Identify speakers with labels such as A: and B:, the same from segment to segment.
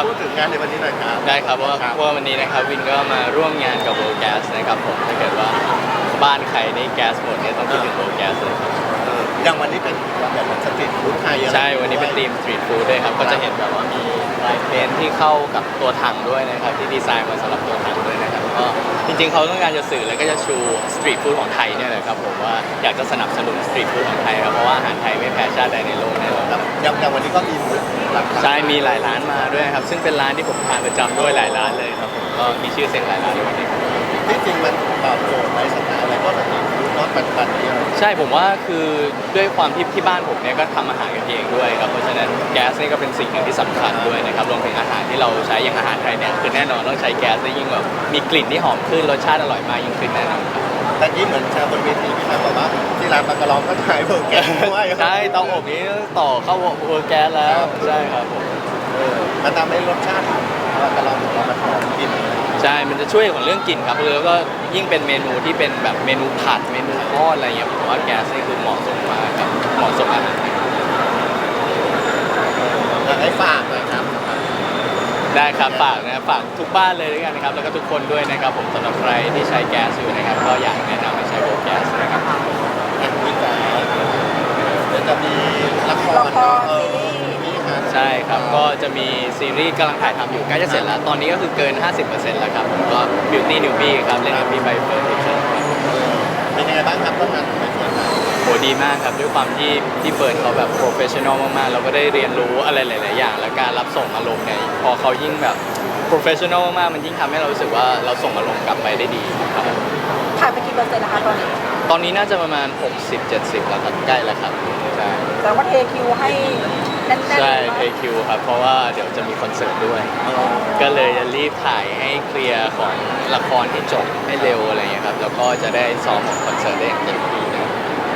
A: พูดถึงงานในวันนี้หน่อยครับ
B: ได้ครับว่าวันนี้นะครับวินก็มาร่วมงานกับ World Gas นะครับผมถ้าเกิดว่าบ้านใครนี่แก๊สหมดเนี่ยต้องคิดถึง World Gas เลยครับ
A: อย่างวันนี้เป็นแบบสตรีทฟู้ดไทย
B: ใช่วันนี้เป็นธีมสตรีทฟู้ดด้วยครับก็จะเห็นแบบว่ามีลายเพนที่เข้ากับตัวถังด้วยนะครับที่ดีไซน์มาสำหรับตัวถังด้วยนะครับก็จริงๆเขาต้องการจะสื่อแล้วก็จะชูสตรีทฟู้ดของไทยเนี่ยแหละครับผมว่าอยากจะสนับสนุนสตรีทฟู้ดของไทยครับเพราะว่าอาหารไทยไม่แพ้ชาติใดในโลกแน่นอน
A: อย่างวันนี้ก็มี
B: ใช่มีหลายร้านมาด้วยครับซึ่งเป็นร้านที่ผมทานประจำด้วยหลายร้านเลยครับผมก็มีชื่อเสียงหลายร้านในวันนี้
A: ที่จริงมันตอบโจทย์ในสถานอะไรก็สตรีทฟู้ดปัจจุบันนี้
B: ใช่ผมว่าคือด้วยความที่บ้านผมเนี่ยก็ทำอาหารกันเองด้วยครับเพราะฉะนั้นแก๊สนี่ก็เป็นสิ่งหนึ่งที่สำคัญด้วยนะครับรวมถึงอาหารที่เราใช้อย่างอาหารไทยเนี่ยคือแน่นอนต้องใช้แก๊สได้ยิ่งแบบมีกลิ่นที่หอมขึ้นรสชาติอร่อยมากยิ่งขึ้นแน่นอนครับ
A: แต่ที่เหมือนชาวบนเวทีพี่มาบอกว่าที่ร้านปลากระลองก็ขายเบอร์แก๊สด้วย
B: ใช่เตาอบนี้ต่อเข้าเวอร์แก๊สแล้วใช่ครับผม
A: มันทำให้รสชาติปลากระลองของเรามันหอมกลิ่น
B: ใช่มันจะช่วยของเรื่องกลิ่นครับแล้วก็ยิ่งเป็นเมนูที่เป็นแบบเมนูผัดเมนูทอดอะไรเงี้ยผมว่าแก๊สนี่คือเหมาะสมมากครับเหมาะสมอาหาร
A: อยากให้ฝากหน่อยครับ
B: ได้ครับฝากนะครับฝากทุกบ้านเลยด้วยกันนะครับแล้วก็ทุกคนด้วยนะครับผมสำหรับใครที่ใช้แก๊สอยู่นะครับก็อยากแนะนำให้ใช้โบแก๊สนะครับ
A: มีแต่เดี๋ยวจะมีละคร
B: ใช่ครับก็จะมีซีรีส์กำลังถ่ายทำอยู่ใกล้จะเสร็จแล้วตอนนี้ก็คือเกิน 50% แล้วครับผมก็ Beauty Newbie ครับเล่นกับพี่ใบเฟิร์นพิชเชอร์
A: เป็นยังไงบ้างครับร่วมงานกับใบเฟิร์น
B: โหดีมากครับด้วยความที่เฟิร์นเขาแบบโปรเฟชชั่นอลมากๆเราก็ได้เรียนรู้อะไรหลายๆอย่างและการรับส่งอารมณ์เนี่ยพอเขายิ่งแบบโปรเฟชชั่นอลมากๆมันยิ่งทำให้เรารู้สึกว่าเราส่งอารมณ์กลับไปได้ดีครับ
C: ถ่ายไปกี่เปอร์เซ็นต์นะคะ
B: ตอนนี้น่าจะประมาณ 60-70 แล้วครับใกล้แล้วครับใช่
C: แต่ว่าเทคิวให้แน่นๆ
B: ใช่เทคิวครับเพราะว่าเดี๋ยวจะมีคอนเสิร์ตด้วยก็เลยจะรีบถ่ายให้เคลียร์ของละครให้จบให้เร็วอะไรอย่างเงี้ยครับแล้วก็จะได้ซ้อมของคอนเสิร์ตได้อย่างเต็มที่นะ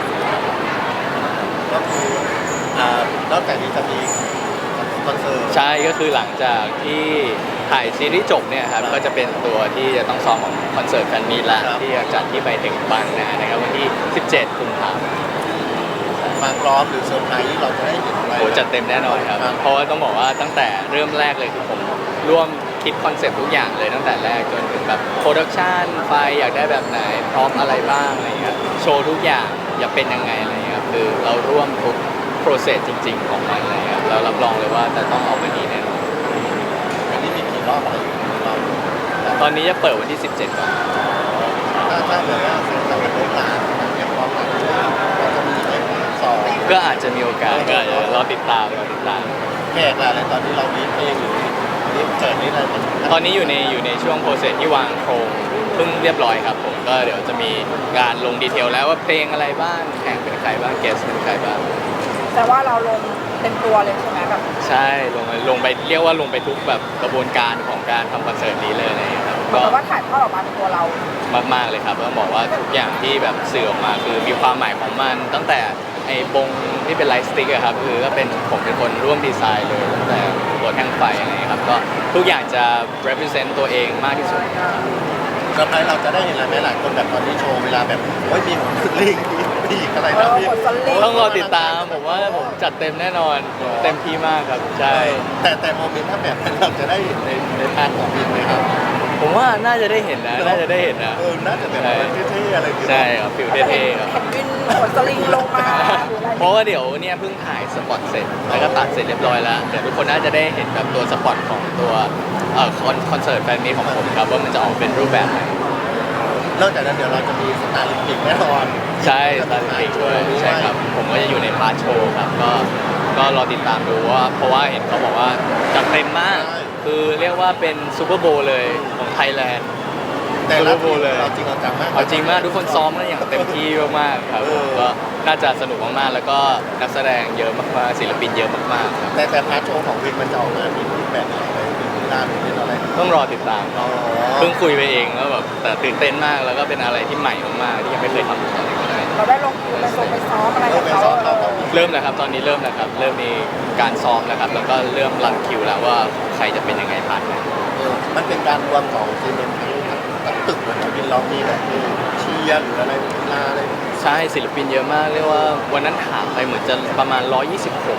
A: ก็คือนอกจากนี้จะมีคอนเสิร์ต
B: ใช่ก็คือหลังจากที่ถ่ายซีรีส์จบเนี่ยครับก็จะเป็นตัวที่จะต้องซ้อมของคอนเสิร์ตแฟนมีตละที่จะจัดที่ใบเต็งบางนานะครับวันที่ 17 กุมภาพันธ์
A: มากรอบหรือเซอร์ไพรส์ที่เราจะได้เห็นอะไร
B: โอ้จัดเต็มแน่นอนครับเพราะว่าต้องบอกว่าตั้งแต่เริ่มแรกเลยคือผมร่วมคิดคอนเซ็ปต์ทุกอย่างเลยตั้งแต่แรกจนถึงแบบโปรดักชันไฟอยากได้แบบไหนพร้อมอะไรบ้างอะไรเงี้ยโชว์ทุกอย่างอยากเป็นยังไงอะไรเงี้ยคือเราร่วมทุกโปรเซสจริงๆของมันอะไรเงี้ยเรารับรองเลยว่าจะต้องออกมาดีแน่นอน
A: วันนี้มีกี่รอบอะไรรอบ
B: ตอนนี้จะเปิดวันที่ 17 ก่อน
A: ถ้าเลยว่าเสร็จจะเป็นเรื่องราวเรียบร้อยแล้วจะมีเรื่องสอง
B: ก็อาจจะมีโอกาสก็รอติดตาม
A: แขกอะไรตอนนี้เราลิสต์เองหรือลิสต์แขกนี่อะไร
B: ตอนนี้อยู่ในช่วงโปรเซสที่วางโครงเพิ่งเรียบร้อยครับผมก็เดี๋ยวจะมีการลงดีเทลแล้วว่าเพลงอะไรบ้างแข่งเป็นใครบ้างเกสเป็นใครบ้าง
C: แต่ว่าเราลงเต็มตัวเลยใช่ไหมแบบ
B: ใช่ลงไปเรียกว่าลงไปทุกแบบกระบวนการของการทำคอนเสิร์ตนี้เลยนะครับ
C: ก็ว่าถ่ายทอดออกมาเป็นตัวเรา
B: มากๆเลยครับต้องบอกว่าทุกอย่างที่แบบสื่อออกมาคือมีความหมายของมันตั้งแต่ไอ้บงที่เป็นไลท์สติ๊กอะครับคือก็เป็นผมเป็นคนร่วมดีไซน์เลยตั้งแต่ตัวแท่งไฟอะไรครับก็ทุกอย่างจะ represent ตัวเองมากที่สุด
A: เซอร์ไพรส์เราจะได้เห็นอะไรไหมหลายคนแบบตอนที่โชว์เวลาแบบโอ้ยมีลิงมีอะไรนะพี่
B: ต้องรอติดตามผมว่าผมจัดเต็มแน่นอนเต็มที่มากครับใช่
A: แต่โมเมนต์ถ้าแบบนั้นเราจะได้เห็นในพาร์ทของวินไหมครับ
B: ผมว่าน่าจะได้เห็นนะน่าจะได้เห็นนะ
A: น่าจะแบบเท่ๆอะไร
B: ใช่ครับฟิลเท่ๆครับ
C: เห็นวินขนสลิงลงมา
B: เพราะว่าเดี๋ยวเนี่ยเพิ่งถ่ายสปอตเสร็จแล้วก็ตัดเสร็จเรียบร้อยแล้วเดี๋ยวทุกคนน่าจะได้เห็นแบบตัวสปอตของตัวคอนเสิร์ตแฟนมีตของผมครับว่ามันจะออกเป็นรูปแบบไหน
A: นอกจากนั้นเดี๋ยวเราจะมีสตาร์ลิมปิกแน่นอน
B: ใช่สตาร์ลิมปิกด้วยใช่ครับผมก็จะอยู่ในพาร์ทโชว์ครับก็รอติดตามดูว่าเพราะว่าเห็นเขาบอกว่าจัดเต็มมากคือเรียกว่าเป็นซูเปอร์โบว์เลยของไทยแลนด์
A: แต่ซูเปอร์โบว์เลยเอาจริงเอาจังมาก
B: เอาจริงมากทุกคนซ้อมกันอย่างเต็มที่มากๆครับก็น่าจะสนุกมากๆแล้วก็นักแสดงเยอะมากๆศิลปินเยอะมากๆครับ
A: แต่พาร์ทโชว์ของวินมันจะออกมามีรูปแบบอะไรเป็นอะไร
B: ต้องรอติดตามเพิ่งคุยไปเองแล้วแบบแต่ตื่นเต้นมากแล้วก็เป็นอะไรที่ใหม่มากๆที่ยังไม่เคยทำมาก่อนเลย
C: เราได้ลงคิวไปซ้อมอะไรกับเขา
B: เริ่มแล้วครับตอนนี้เริ่มแล้วครับเริ่มมีการซ้อมแล้วครับแล้วก็เริ่มรันคิวแล้วว่าใครจะเป็นยังไงผ่าน
A: มันเป็นการรวมของทีมทั้งตึกเหมือนวินเรามีแบบเชียร์หรืออะไรกีฬาอะไร
B: ใช่ศิลปินเยอะมากเรียกว่าวันนั้นถามไปเหมือนจะประมาณ126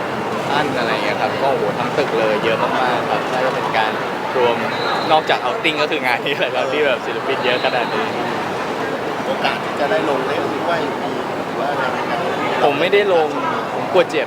B: ท่านอะไรอย่างเงี้ยครับก็โอ้โหทั้งตึกเลยเยอะมากๆครับน่าจะเป็นการรวมนอกจากเอาติ้งก็คืองานนี้แหละครับที่แบบศิลปินเยอะขนาดนี้
A: โอกาสที่จะได้ลงเล่นด้วยมีหรือว่าอะไรไหมครับ
B: ผมไม่ได้ลงผมกลัวเจ็บ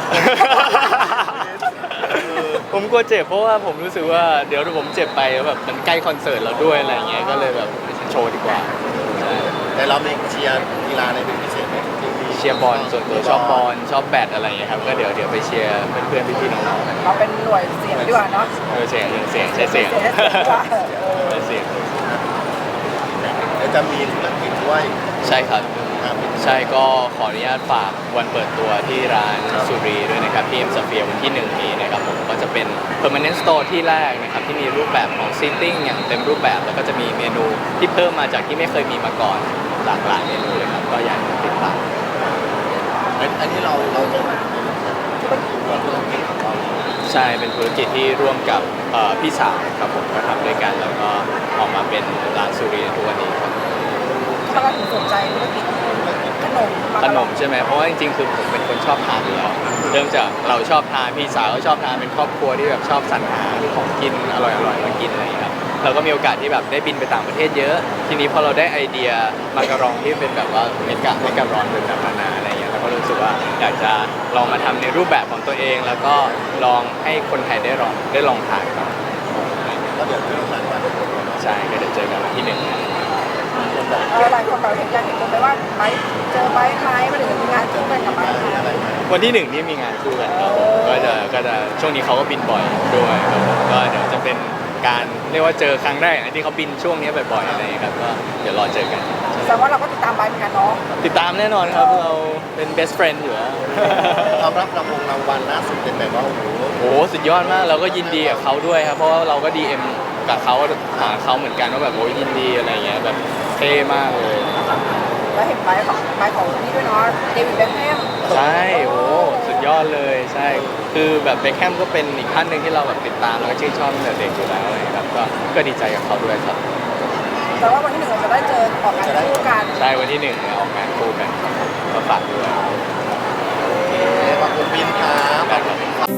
B: ผมกลัวเจ็บเพราะว่าผมรู้สึกว่าเดี๋ยวผมเจ็บไปแล้วแบบมันใกล้คอนเสิร์ตเราด้วยอะไรอย่างเงี้ยก็เลยแบบโชว์ดีกว่าใช่
A: แต่เราไม่เชียร์กีฬาในเป็นพิเศษไหมที่มี
B: เชียร์บอลส่วนตัวชอบบอลชอบแบดอะไรอย่างเงี้ยครับก็เดี๋ยวไปเชียร์เพื่อนๆพี่ๆน้องๆกัน
C: เราเป็นหน่วยเสียงดีกว่าเนาะ
B: เสียงใช้เสียง
C: เสียงดีกว่า
B: ใช้เสียง
A: เดี๋ยวจะมีธุรกิจด้วย
B: ใช่ครับ
A: ครับ
B: ใช่ก็ขออนุญาตฝากวันเปิดตัวที่ร้านสุรีด้วยนะครับที่เอ็มสเฟียวันที่1นี้นะครับผมก็จะเป็น permanent store ที่แรกนะครับที่มีรูปแบบของ seating อย่างเต็มรูปแบบแล้วก็จะมีเมนูที่เพิ่มมาจากที่ไม่เคยมีมาก่อนหลากหลายเมนูเลยครับก็อยากติดตาม
A: อันนี้เราจะธุรกิจของเรา
B: ใช่เป็นธุรกิจที่ร่วมกับพี่สาวครับผมก็ทำด้วยกันแล้วก็ออกมาเป็นร้านสุรีในทุกวันนี้ครับ
C: ถ้าเราถึงสนใจธุรกิจขนม
B: ขนมใช่ไหมเพราะว่าจริงๆคือผมเป็นคนชอบทานอยู่แล้วเริ่มจากเราชอบทานพี่สาวก็ชอบทานเป็นครอบครัวที่แบบชอบสรรหาของกินอร่อยๆมากินอะไรอย่างเงี้ยครับเราก็มีโอกาสที่แบบได้บินไปต่างประเทศเยอะ ทีนี้พอเราได้ไอเดียมาการองที่เป็นแบบว่าเมการอนเป็นแบบนานาอะไรอย่างเงี้ยเราก็รู้สึกว่าอยากจะลองมาทำในรูปแบบของตัวเอง แล้วก็ลองให้คนไทยได้ลองทานครับ
A: ก็เดี๋ยวเจอกันวัน
B: ใช่ก็เดี๋ยวเจอกันวันที่1
C: หลายคนเราเห็นอยากเห็นคนไปว่าไปเจอไปไหมมาถึงมีงานคู่กันกับไปไหม
A: อะไรไหม
B: วันที่1นี่มีงานคู่กันครับผมก็จะช่วงนี้เขาก็บินบ่อยด้วยครับผมก็เดี๋ยวจะเป็นการเรียกว่าเจอครั้งแรกอันที่เขาบินช่วงนี้บ่อยๆอะไรอย่างเงี้ยครับก็เดี๋ยวรอเจอกัน
C: แสดงว่าเราก็ติดตามไปเหมือนกันเนาะ
B: ติดตามแน่นอนครับเราเป็น best friend อยู่แล้ว
A: เรารับรางวัลล่าสุดเป็นแบบว่าโอ้โห
B: โอ้โหสุดยอดมากเราก็ยินดีกับเขาด้วยครับเพราะว่าเราก็ DM กับเขาหาเขาเหมือนกันว่าแบบโอ้ยยินดีอะไรเงี้ยแบบเท่มากเลย
C: แล้วเห็นไปของนี่ด้วยเนาะเดวิดเบ็คแฮม
B: ใช่โอ้สุดยอดเลยใช่คือแบบเบคแฮมก็เป็นอีกท่านหนึ่งที่เราแบบติดตามแล้วก็ชื่นชอบตั้งแต่เด็กอยู่แล้วอะไรครับก็ดีใจกับเขาด้วยครับ
C: แต่ว่าวันที่1เราจะได้เจอออกงานคู่กัน
B: ใช่วันที่1เนี่ยออกงานคู่กันก็ฝากด้วย
A: ขอบคุณบินครับ
B: ครับ